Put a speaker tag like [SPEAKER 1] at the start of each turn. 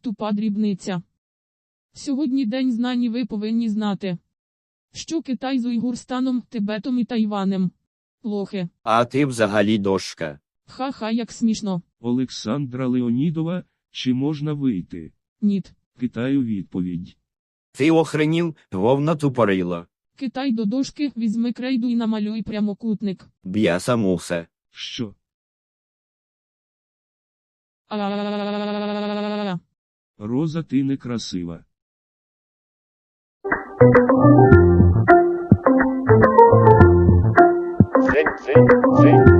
[SPEAKER 1] Тупа дрібниця. Сьогодні день знань і ви повинні знати, що Китай з Уйгурстаном, Тибетом і Тайванем. Лохи.
[SPEAKER 2] А ти взагалі дошка.
[SPEAKER 1] Ха-ха, як смішно.
[SPEAKER 3] Олександра Леонідова, чи можна вийти?
[SPEAKER 1] Ніт.
[SPEAKER 3] Китаю відповідь.
[SPEAKER 2] Ти охренів, вовна тупорила.
[SPEAKER 1] Китай до дошки, візьми крейду і намалюй прямокутник.
[SPEAKER 2] Б'яса мусе.
[SPEAKER 3] Що?
[SPEAKER 1] А-а-а-а-а-а-а-а-а-а-а-а.
[SPEAKER 3] Роза, ти некрасива.
[SPEAKER 2] Дзинь, дзинь, дзинь.